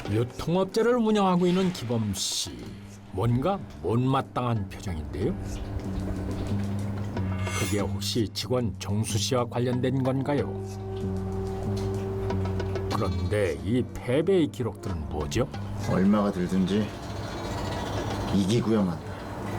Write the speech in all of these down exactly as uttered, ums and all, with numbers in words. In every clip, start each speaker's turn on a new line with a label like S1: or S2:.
S1: 유통업체를 운영하고 있는 기범 씨. 뭔가 못마땅한 표정인데요. 그게 혹시 직원 정수 씨와 관련된 건가요? 그런데 이 패배의 기록들은 뭐죠?
S2: 얼마가 들든지 이기고야만.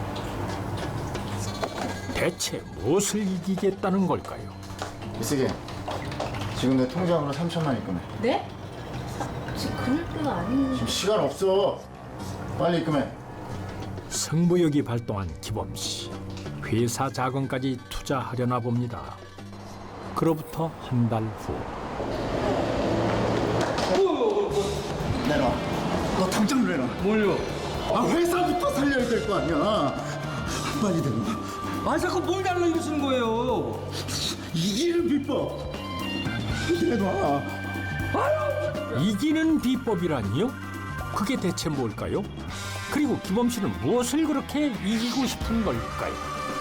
S1: 대체 무엇을 이기겠다는 걸까요?
S2: 이쓰게 지금 내 통장으로 삼천만 입금해.
S3: 네? 지금 그럴 때가 아닌...
S2: 지금 시간 없어. 빨리 입금해.
S1: 승부욕이 발동한 기범 씨. 회사 자금까지 투자하려나 봅니다. 그로부터 한 달 후.
S2: 내놔. 너 당장 내놔.
S4: 뭘요?
S2: 아 회사부터 살려야 될 거 아니야. 빨리 내놔.
S4: 아 자꾸 뭘 달라 이러시는 거예요?
S2: 이기는 비법. 내놔.
S1: 이기는 비법이라니요? 그게 대체 뭘까요? 그리고 기범 씨는 무엇을 그렇게 이기고 싶은 걸까요?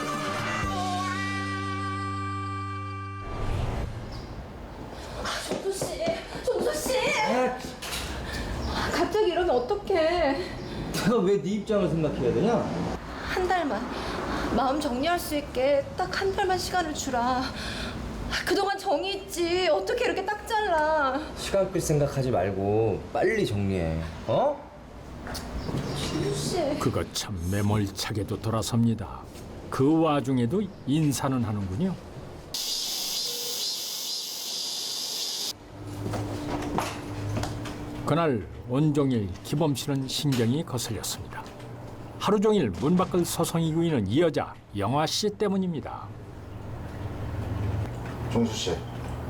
S3: 종수 씨! 종수 씨! 갑자기 이러면 어떡해.
S4: 내가 왜 네 입장을 생각해야 되냐?
S3: 한 달만 마음 정리할 수 있게 딱 한 달만 시간을 주라. 그동안 정이 있지. 어떻게 이렇게 딱 잘라.
S4: 시간 끌 생각하지 말고 빨리 정리해. 어?
S3: 종수 씨.
S1: 그거 참 매몰차게도 돌아섭니다. 그 와중에도 인사는 하는군요. 그날 온종일 기범 씨는 신경이 거슬렸습니다. 하루 종일 문 밖을 서성이고 있는 이 여자 영화 씨 때문입니다.
S2: 종수 씨.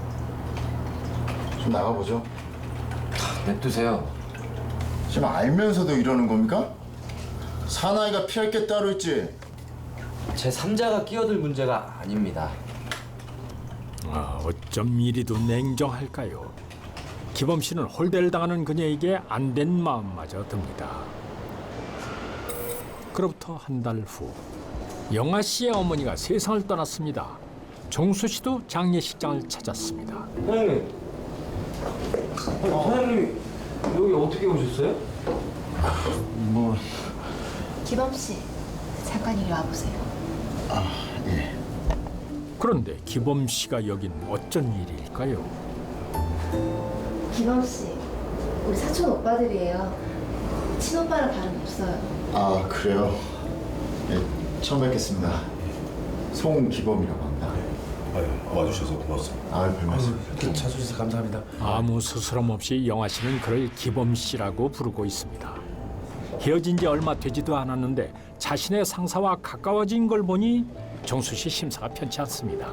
S2: 좀 나가보죠.
S4: 냅두세요.
S2: 지금 알면서도 이러는 겁니까? 사나이가 피할 게 따로 있지.
S4: 제 삼자가 끼어들 문제가 아닙니다.
S1: 아, 어쩜 이리도 냉정할까요? 기범 씨는 홀대를 당하는 그녀에게 안 된 마음마저 듭니다. 그로부터 한 달 후, 영아 씨의 어머니가 세상을 떠났습니다. 종수 씨도 장례식장을 찾았습니다.
S4: 사장님. 아니, 사장님이 여기 어떻게 오셨어요?
S2: 뭐
S3: 기범 씨, 잠깐 이리 와보세요.
S2: 예.
S1: 그런데 기범 씨가 여긴 어쩐 일일까요?
S3: 기범 씨, 우리 사촌 오빠들이에요. 친오빠랑 다름 없어요.
S2: 아 그래요? 예, 처음 뵙겠습니다. 송기범이라고 합니다.
S5: 아유, 와주셔서 고맙습니다.
S2: 아 별말씀.
S4: 이렇게 찾아주셔서 감사합니다.
S1: 아무 스스럼 없이 영아 씨는 그를 기범 씨라고 부르고 있습니다. 헤어진 지 얼마 되지도 않았는데 자신의 상사와 가까워진 걸 보니 정수 씨 심사가 편치 않습니다.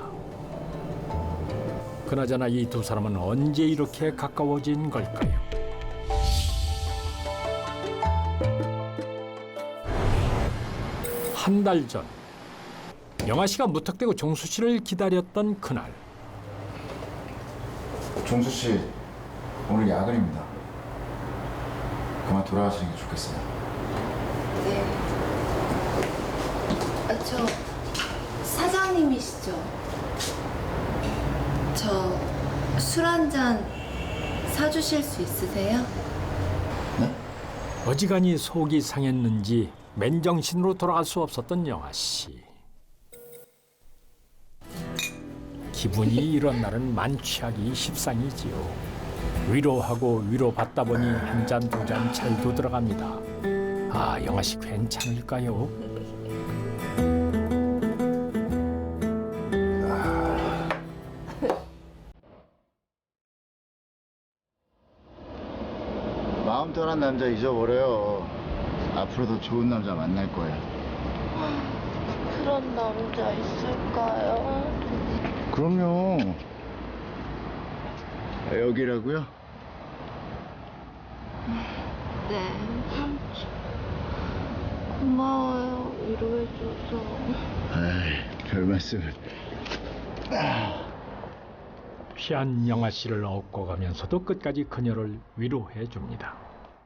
S1: 그나저나 이 두 사람은 언제 이렇게 가까워진 걸까요? 한 달 전, 영아 씨가 무턱대고 정수 씨를 기다렸던 그날.
S2: 종수 씨 오늘 야근입니다. 그만 돌아가시는 게 좋겠어요.
S3: 네. 아, 저 사장님이시죠? 저 술 한 잔 사주실 수 있으세요?
S1: 어지간히 속이 상했는지 맨정신으로 돌아갈 수 없었던 영아 씨. 기분이 이런 날은 만취하기 십상이지요. 위로하고 위로받다 보니 한 잔 두 잔 잘도 들어갑니다. 아, 영아 씨 괜찮을까요?
S2: 마음 떠난 남자 잊어버려요. 앞으로도 좋은 남자 만날 거예요.
S6: 그런 남자 있을까요?
S2: 그럼요. 여기라고요?
S6: 네, 삼촌. 고마워요, 위로해줘서.
S2: 에이, 별 말씀을.
S1: 피한 영아 씨를 업고 가면서도 끝까지 그녀를 위로해 줍니다.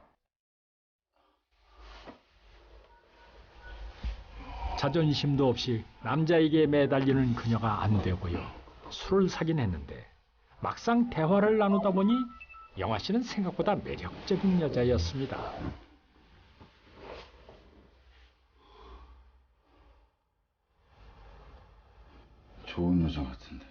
S1: 자존심도 없이 남자에게 매달리는 그녀가 안 되고요. 술을 사긴 했는데 막상 대화를 나누다 보니 영화 씨는 생각보다 매력적인 여자였습니다.
S2: 좋은 여자 같은데.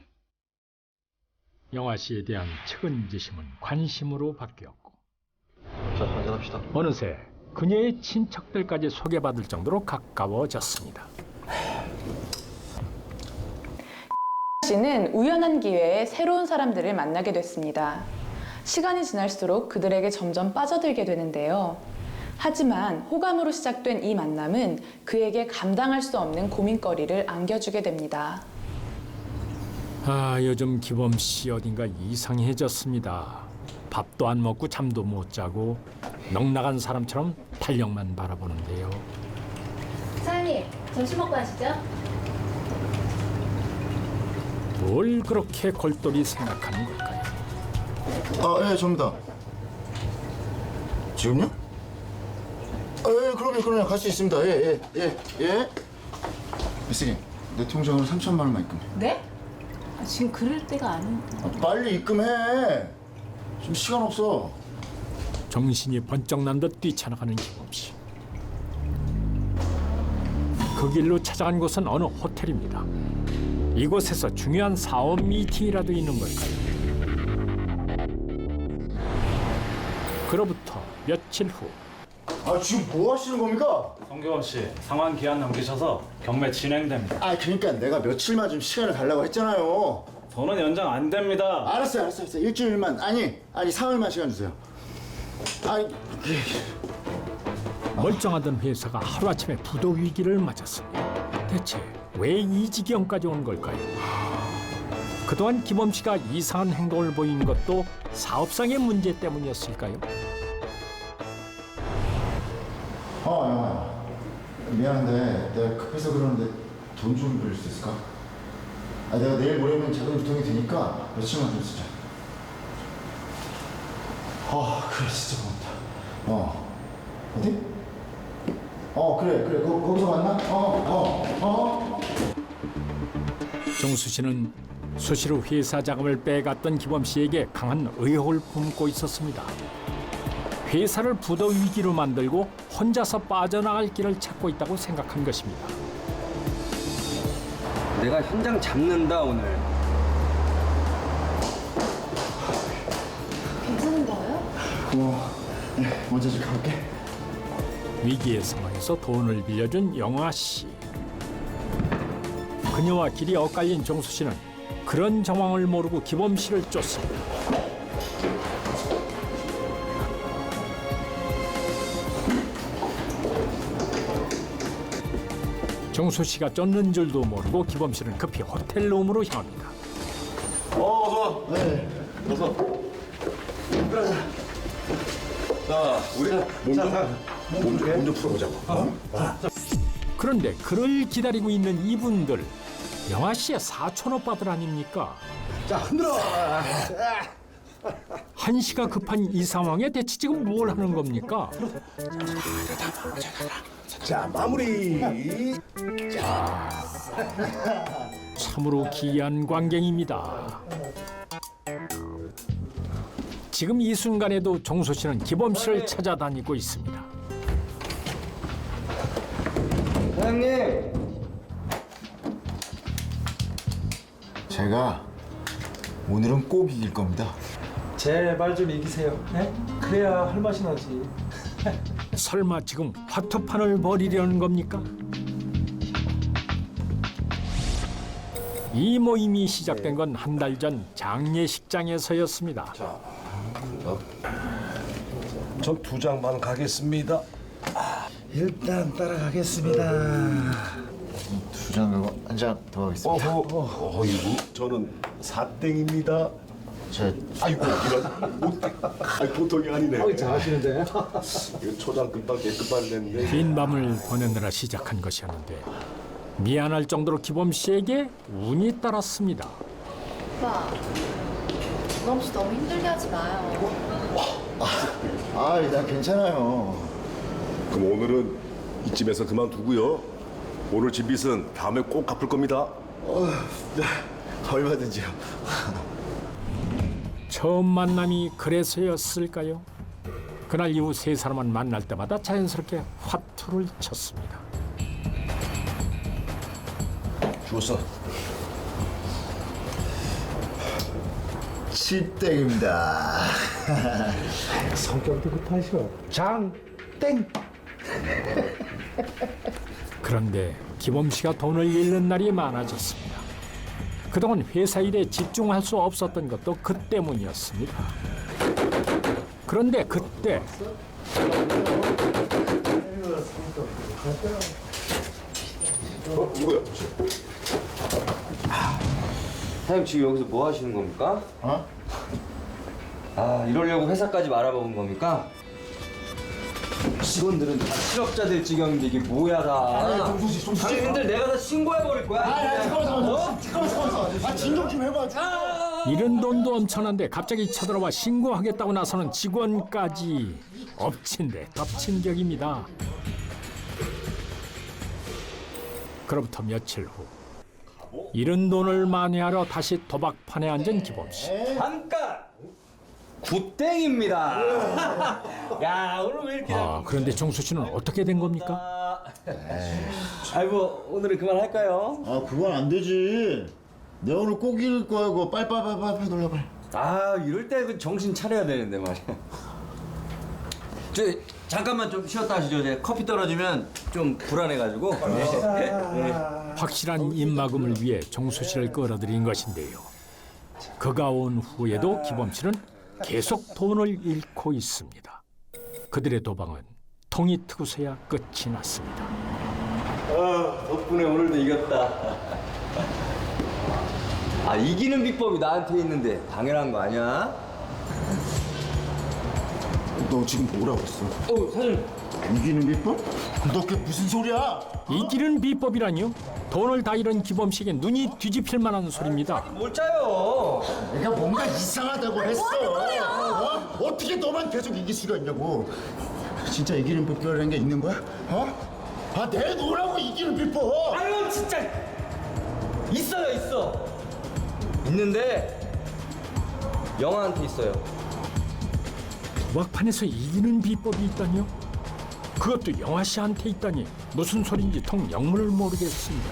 S1: 영화 씨에 대한 측은지심은 관심으로 바뀌었고
S5: 자, 한잔합시다.
S1: 어느새 그녀의 친척들까지 소개받을 정도로 가까워졌습니다.
S7: 씨는 우연한 기회에 새로운 사람들을 만나게 됐습니다. 시간이 지날수록 그들에게 점점 빠져들게 되는데요. 하지만 호감으로 시작된 이 만남은 그에게 감당할 수 없는 고민거리를 안겨주게 됩니다.
S1: 아, 요즘 기범 씨 어딘가 이상해졌습니다. 밥도 안 먹고 잠도 못 자고 넉나간 사람처럼 달력만 바라보는데요.
S3: 사장님, 점심 먹고 하시죠?
S1: 뭘 그렇게 골똘히 생각하는 걸까요?
S2: 아, 예, 접니다. 지금요? 아, 예, 그럼요, 그럼요. 갈 수 있습니다. 예, 예, 예, 예. 미스님, 내 통장으로 삼천만 원만 입금해.
S8: 네? 아, 지금 그럴 때가 아닌데.
S2: 아, 빨리 입금해. 지금 시간 없어.
S1: 정신이 번쩍 난 듯 뛰쳐나가는 기범 씨. 그 길로 찾아간 곳은 어느 호텔입니다. 이곳에서 중요한 사업 미팅이라도 있는 걸까요? 그로부터 며칠 후
S2: 아, 지금 뭐 하시는 겁니까?
S9: 성규범 씨, 상환 기한 넘기셔서 경매 진행됩니다.
S2: 아, 그러니까 내가 며칠만 좀 시간을 달라고 했잖아요.
S9: 더는 연장 안 됩니다.
S2: 알았어요, 알았어요, 알았어요. 일주일만, 아니, 아니, 사흘만 시간 주세요. 아이,
S1: 멀쩡하던 회사가 하루아침에 부도 위기를 맞았습니다. 대체 왜 이 지경까지 온 걸까요? 그동안 기범 씨가 이상한 행동을 보인 것도 사업상의 문제 때문이었을까요?
S2: 어, 영화야. 미안한데 내가 급해서 그러는데 돈 좀 빌릴 수 있을까? 아, 내가 내일 모레면 자금 유통이 되니까 며칠만 좀 쓰자. 아, 그래, 진짜 고맙다. 어, 어디? 어, 그래, 그래, 거, 거기서 만나? 어, 어, 어.
S1: 정수 씨는 수시로 회사 자금을 빼갔던 기범 씨에게 강한 의혹을 품고 있었습니다. 회사를 부도 위기로 만들고 혼자서 빠져나갈 길을 찾고 있다고 생각한 것입니다.
S4: 내가 현장 잡는다 오늘.
S3: 괜찮은 거예요?
S2: 고마워. 네, 먼저 좀 가볼게.
S1: 위기의 상황에서 돈을 빌려준 영화 씨. 그녀와 길이 엇갈린 정수 씨는 그런 정황을 모르고 기범 씨를 쫓습니다. 정수 씨가 쫓는 줄도 모르고 기범 씨는 급히 호텔 룸으로 향합니다.
S5: 어, 어서 와.
S2: 네.
S5: 어서. 자, 우리 몸좀 몸좀 풀어보자고. 어?
S1: 그런데 그를 기다리고 있는 이분들, 영아 씨의 사촌 오빠들 아닙니까?
S5: 자, 흔들어.
S1: 한시가 급한 이 상황에 대체 지금 뭘 하는 겁니까?
S5: 자, 마무리.
S1: 참으로 기이한 광경입니다. 지금 이 순간에도 정수 씨는 기범 씨를 찾아다니고 있습니다.
S4: 사장님.
S2: 제가 오늘은 꼭 이길 겁니다.
S10: 제발 좀 이기세요. 네? 그래야 할 맛이 나지.
S1: 설마 지금 화투판을 벌이려는 겁니까? 이 모임이 시작된 건 한 달 전 장례식장에서였습니다.
S5: 전 두 장만 가겠습니다.
S10: 일단 따라가겠습니다.
S2: 두 장 가고 한 장 더 하겠습니다.
S5: 어허, 어이구, 저는 사땡입니다.
S2: 제
S5: 아이고, 이런 못, 아이, 보통이 아니네.
S10: 잘하시는데.
S5: 이거 초장 금방 깨끗만 냈는데.
S1: 긴 밤을 보내느라 시작한 것이었는데 미안할 정도로 기범 씨에게 운이 따랐습니다.
S3: 오빠, 기범 씨 너무 힘들게 하지 마요.
S2: 아, 나 괜찮아요.
S5: 그럼 오늘은 이쯤에서 그만두고요. 오늘 진 빚은 다음에 꼭 갚을 겁니다.
S2: 어, 네, 얼마든지요.
S1: 처음 만남이 그래서였을까요? 그날 이후 세 사람은 만날 때마다 자연스럽게 화투를 쳤습니다.
S5: 죽었어.
S2: 칠땡입니다.
S10: 성격도 급하셔. 장땡.
S1: 그런데 기범 씨가 돈을 잃는 날이 많아졌습니다. 그동안 회사 일에 집중할 수 없었던 것도 그 때문이었습니다. 그런데 그때
S5: 어? 누구야?
S4: 사장님 지금 여기서 뭐 하시는 겁니까?
S2: 어?
S4: 아 이러려고 회사까지 말아먹은 겁니까? 직원들은 다 실업자들 지경인데 이게 뭐야 다.
S2: 정수씨, 정수씨.
S4: 당신들 내가 다 신고해버릴 거야.
S2: 아, 잠깐만, 잠깐만. 잠깐만, 잠깐만. 아, 진정 좀 해봐.
S1: 잃은 돈도 엄청난데 갑자기 쳐들어와 신고하겠다고 나서는 직원까지 엎친 데 덮친 격입니다. 그로부터 며칠 후 잃은 돈을 만회하러 다시 도박판에 앉은 기범 씨.
S4: 잠깐! 굿땡입니다. 야 오늘 왜 이렇게
S1: 아, 그런데 정수 씨는 어떻게 된 겁니까?
S4: 아이고 오늘은 그만할까요?
S2: 아, 그건 안 되지. 내가 오늘 꼭 이길 거야, 그거. 빨리, 빨리, 빨리, 빨리 놀라, 빨리.
S4: 아 이럴 때 그 정신 차려야 되는데 말이야. 저 잠깐만 좀 쉬었다 하시죠. 제 커피 떨어지면 좀 불안해가지고. 네.
S1: 확실한 입막음을 위해 정수 씨를 끌어들인 것인데요. 그가 온 후에도 기범 씨는 계속 돈을 잃고 있습니다. 그들의 도방은 통이 트고서야 끝이 났습니다.
S4: 아, 덕분에 오늘도 이겼다. 아 이기는 비법이 나한테 있는데 당연한 거 아니야?
S2: 너 지금 뭐라고 했어?
S4: 어 사장님.
S2: 이기는 비법? 너 그게 무슨 소리야?
S1: 이기는 비법이라니요? 돈을 다 잃은 기범 씨에게 눈이 뒤집힐 만한 소리입니다.
S4: 뭘 짜요?
S2: 내가 뭔가 이상하다고 했어. 어? 어떻게 너만 계속 이길 수가 있냐고. 진짜 이기는 비법이라는 게 있는 거야? 어? 아, 내놓으라고 이기는 비법.
S4: 아유 진짜 있어요 있어. 있는데 영화한테 있어요.
S1: 도박판에서 이기는 비법이 있다니요? 그것도 영화 씨한테 있다니 무슨 소린지 통 영문을 모르겠습니다.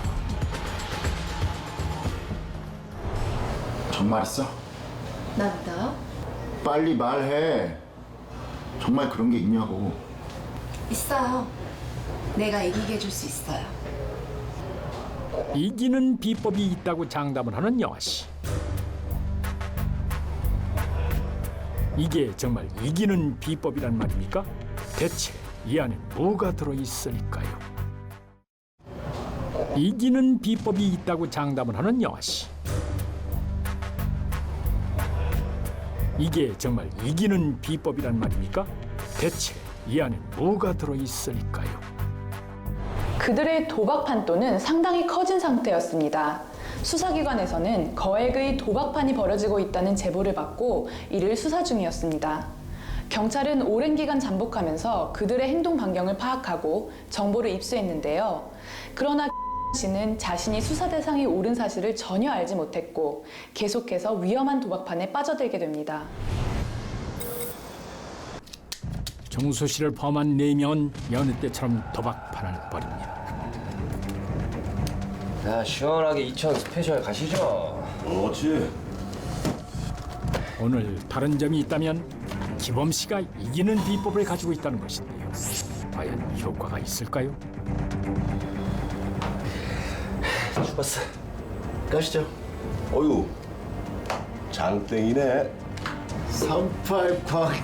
S2: 정말 있어?
S3: 나 믿어요?
S2: 빨리 말해. 정말 그런 게 있냐고.
S3: 있어요. 내가 이기게 해줄 수 있어요.
S1: 이기는 비법이 있다고 장담을 하는 영화 씨. 이게 정말 이기는 비법이란 말입니까? 대체 이 안에 뭐가 들어있을까요? 이기는 비법이 있다고 장담을 하는 영화 씨. 이게 정말 이기는 비법이란 말입니까? 대체 이 안에 뭐가 들어있을까요?
S7: 그들의 도박 판도는 상당히 커진 상태였습니다. 수사기관에서는 거액의 도박판이 벌어지고 있다는 제보를 받고 이를 수사 중이었습니다. 경찰은 오랜 기간 잠복하면서 그들의 행동 반경을 파악하고 정보를 입수했는데요. 그러나 씨는 자신이 수사 대상이 옳은 사실을 전혀 알지 못했고 계속해서 위험한 도박판에 빠져들게 됩니다.
S1: 정수 씨를 포함한 네 명은 여느 때처럼 도박판을 벌입니다.
S4: 자 시원하게 이천 스페셜 가시죠.
S5: 그렇지.
S1: 오늘 다른 점이 있다면 기범 씨가 이기는 비법을 가지고 있다는 것인데요. 과연 효과가 있을까요?
S4: 죽었어.
S2: 가시죠.
S5: 어유 장땡이네.
S2: 삼팔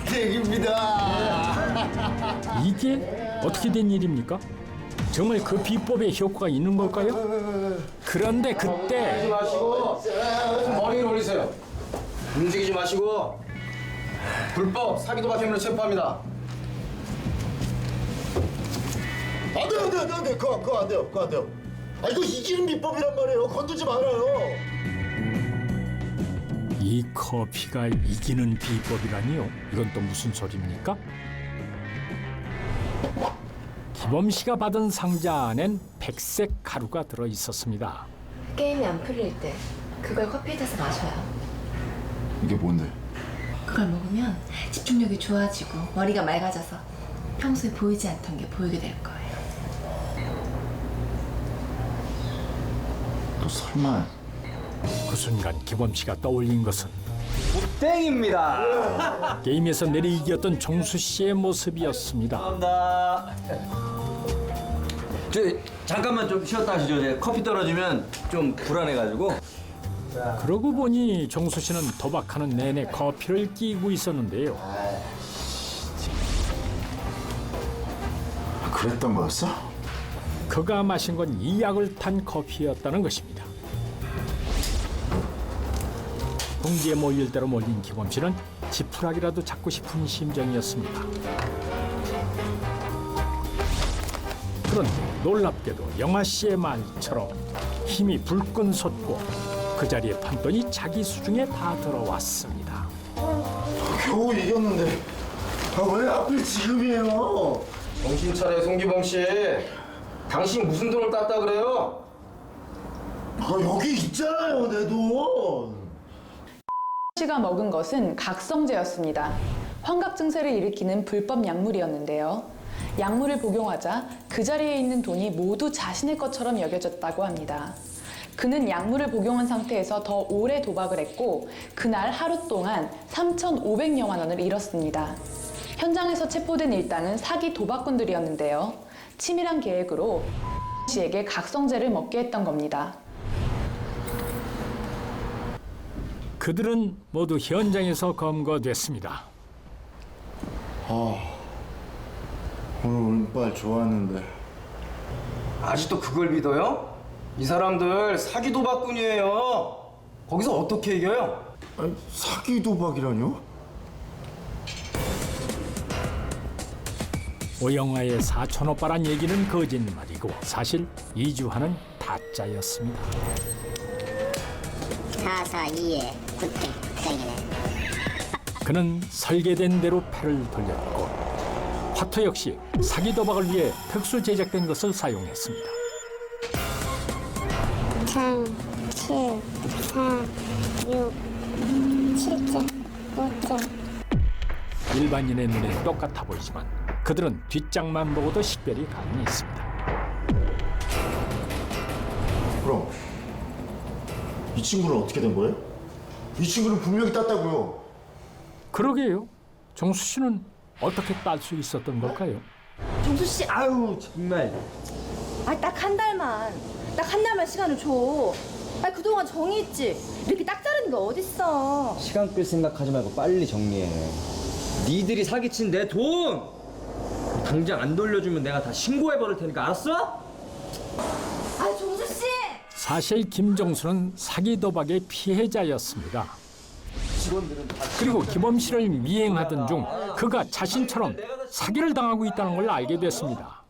S2: 광땡입니다.
S1: 이게 어떻게 된 일입니까? 정말 그 비법에 효과가 있는 걸까요? 그런데 그때
S4: 마시고 머리 올리세요. 움직이지 마시고 불법 사기 도박 혐의로 체포합니다.
S2: 안 돼요, 안 돼요, 안 돼요. 그거, 그거 안 돼요, 그거 안 돼요. 아, 이거 이기는 비법이란 말이에요. 건들지 말아요.
S1: 이 커피가 이기는 비법이라니요? 이건 또 무슨 소리입니까? 기범 씨가 받은 상자 안엔 백색 가루가 들어 있었습니다.
S3: 게임이 안 풀릴 때 그걸 커피에 타서 마셔요.
S2: 이게 뭔데?
S3: 그걸 먹으면 집중력이 좋아지고 머리가 맑아져서 평소에 보이지 않던 게 보이게 될 거예요.
S2: 너 설마
S1: 그 순간 기범 씨가 떠올린 것은
S4: 땡입니다.
S1: 게임에서 내리 이겼던 정수 씨의 모습이었습니다.
S4: 감사합니다. 저 잠깐만 좀 쉬었다 하시죠. 제 커피 떨어지면 좀 불안해가지고.
S1: 그러고 보니 정수 씨는 도박하는 내내 커피를 끼고 있었는데요.
S2: 그랬던 거였어?
S1: 그가 마신 건 이 약을 탄 커피였다는 것입니다. 궁지에 모일 대로 몰린 기범 씨는 지푸라기라도 잡고 싶은 심정이었습니다. 그런데 놀랍게도 영아 씨의 말처럼 힘이 불끈 솟고 그 자리에 판돈이 자기 수중에 다 들어왔습니다.
S2: 겨우 이겼는데 아, 왜 하필 지금이에요?
S11: 정신 차려 송기범 씨. 당신 무슨 돈을 땄다 그래요?
S2: 아, 여기 있잖아요, 내 돈.
S7: 씨가 먹은 것은 각성제였습니다. 환각 증세를 일으키는 불법 약물이었는데요. 약물을 복용하자 그 자리에 있는 돈이 모두 자신의 것처럼 여겨졌다고 합니다. 그는 약물을 복용한 상태에서 더 오래 도박을 했고 그날 하루 동안 삼천오백여만 원을 잃었습니다. 현장에서 체포된 일당은 사기 도박꾼들이었는데요. 치밀한 계획으로 씨에게 각성제를 먹게 했던 겁니다.
S1: 그들은 모두 현장에서 검거됐습니다.
S2: 아, 오늘 운빨 좋았는데.
S11: 아직도 그걸 믿어요? 이 사람들 사기 도박꾼이에요. 거기서 어떻게 이겨요?
S2: 아니, 사기 도박이라뇨?
S1: 오영화의 사촌 오빠란 얘기는 거짓말이고 사실 이주환은 타짜였습니다.
S12: 사사이에 굿땡 땡이네.
S1: 그는 설계된 대로 패를 돌렸고 화투 역시 사기 도박을 위해 특수 제작된 것을 사용했습니다.
S12: 삼, 칠, 사, 육, 칠째, 오째.
S1: 일반인의 눈에 똑같아 보이지만 그들은 뒷장만 보고도 식별이 가능했습니다.
S2: 그럼 이 친구는 어떻게 된 거예요? 이 친구는 분명히 땄다고요.
S1: 그러게요. 정수 씨는 어떻게 딸 수 있었던 걸까요?
S3: 정수 씨,
S4: 아유 정말.
S3: 아, 딱 한 달만, 딱 한 달만 시간을 줘. 아, 그동안 정이 있지. 이렇게 딱 자르는 게 어딨어.
S4: 시간 끌 생각하지 말고 빨리 정리해. 니들이 사기친 내 돈 당장 안 돌려주면 내가 다 신고해 버릴 테니까 알았어?
S3: 아, 정수 씨.
S1: 사실 김정수는 사기 도박의 피해자였습니다. 그리고 기범 씨를 미행하던 중 그가 자신처럼 사기를 당하고 있다는 걸 알게 됐습니다.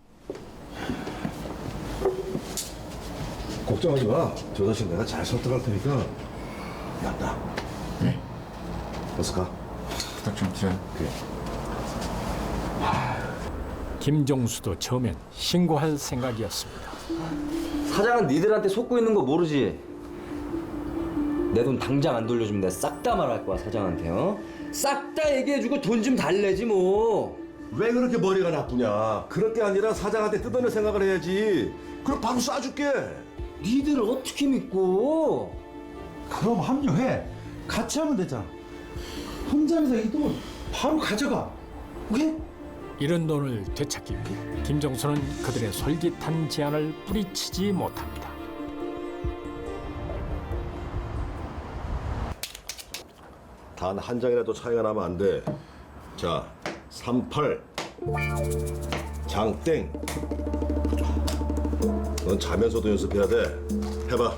S5: 걱정하지 마. 저 자식 내가 잘 설득할 테니까. 야나.
S2: 네?
S5: 어서 가.
S2: 부탁 좀 드려요.
S5: 그래.
S1: 김정수도 처음엔 신고할 생각이었습니다.
S4: 사장은 니들한테 속고 있는 거 모르지? 내 돈 당장 안 돌려주면 내가 싹 다 말할 거야 사장한테. 어? 싹 다 얘기해주고 돈 좀 달래지 뭐.
S5: 왜 그렇게 머리가 나쁘냐? 그럴 게 아니라 사장한테 뜯어낼 생각을 해야지. 그럼 바로 쏴줄게.
S4: 니들을 어떻게 믿고?
S10: 그럼 합류해. 같이 하면 되잖아. 혼자서 이 돈 바로 가져가. 오케이?
S1: 이런 돈을 되찾기 위해 김정수는 그들의 솔깃한 제안을 뿌리치지 못합니다.
S5: 단 한 장이라도 차이가 나면 안 돼. 자, 삼팔, 장땡. 넌 자면서도 연습해야 돼. 해봐.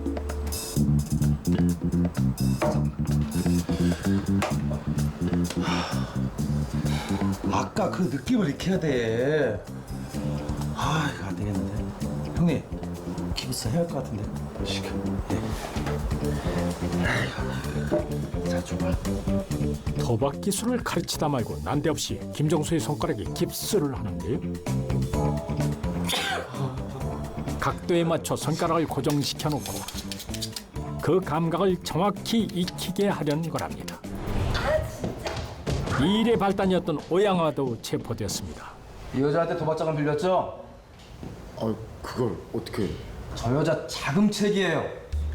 S10: 아까 그 느낌을 익혀야 돼. 아, 이거 안 되겠는데. 형님, 기부스 해야 할 것 같은데. 시켜. 자, 줘봐.
S1: 도박 기술을 가르치다 말고 난데없이 김정수의 손가락에 깁스를 하는데요. 각도에 맞춰 손가락을 고정시켜 놓고 그 감각을 정확히 익히게 하려는 거랍니다.
S3: 아, 진짜.
S1: 이 일의 발단이었던 오양화도 체포되었습니다.
S10: 이 여자한테 도박장을 빌렸죠?
S2: 아, 그걸 어떻게?
S10: 저 여자 자금책이에요.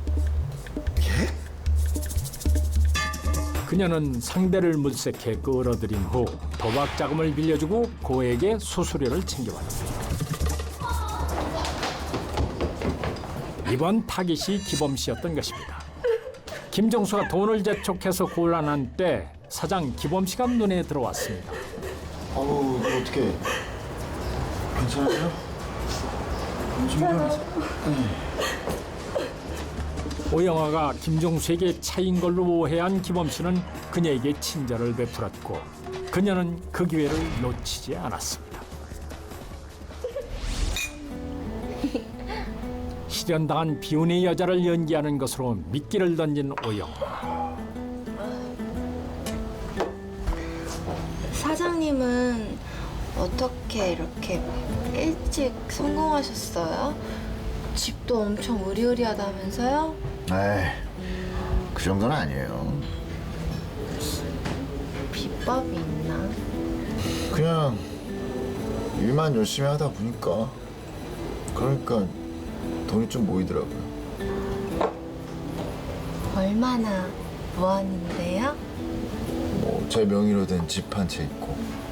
S1: 그녀는 상대를 물색해 끌어들인 후 도박 자금을 빌려주고 고에게 수수료를 챙겨왔습니다. 이번 타깃이 기범 씨였던 것입니다. 김정수가 돈을 재촉해서 곤란한 때 사장 기범 씨가 눈에 들어왔습니다.
S2: 아우, 이거 어떻게? 괜찮아요? 괜찮아요.
S1: 오영화가 김종수에게 차인 걸로 오해한 기범 씨는 그녀에게 친절을 베풀었고 그녀는 그 기회를 놓치지 않았습니다. 실연당한 비운의 여자를 연기하는 것으로 미끼를 던진 오영화.
S3: 사장님은 어떻게 이렇게 일찍 성공하셨어요? 집도 엄청 으리으리하다면서요?
S2: 에이, 그 정도는 아니에요.
S3: 비법이 있나?
S2: 그냥 일만 열심히 하다 보니까 그러니까 돈이 좀 모이더라고요.
S3: 얼마나 모았는데요?
S2: 뭐 제 명의로 된 집 한 채 있고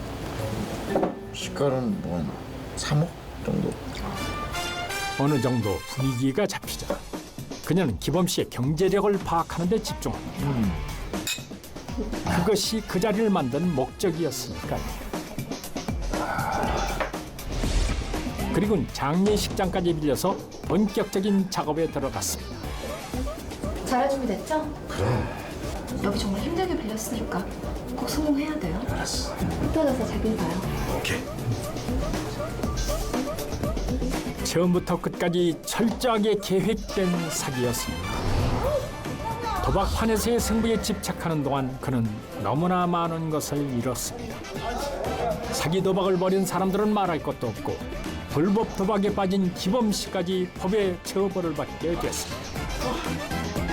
S2: 시가는 뭐 한 삼억 정도.
S1: 어느 정도 분위기가 잡히자 그녀는 기범 씨의 경제력을 파악하는 데 집중합니다.
S2: 음.
S1: 그것이 그 자리를 만든 목적이었으니까요. 그리고는 장례식장까지 빌려서 본격적인 작업에 들어갔습니다.
S3: 잘할 준비 됐죠? 그래. 여기 정말 힘들게 빌렸으니까 꼭 성공해야 돼요.
S2: 알았어.
S3: 흩어져서 자길 봐요.
S2: 오케이.
S1: 처음부터 끝까지 철저하게 계획된 사기였습니다. 도박판에서의 승부에 집착하는 동안 그는 너무나 많은 것을 잃었습니다. 사기 도박을 벌인 사람들은 말할 것도 없고 불법 도박에 빠진 기범 씨까지 법의 처벌을 받게 됐습니다.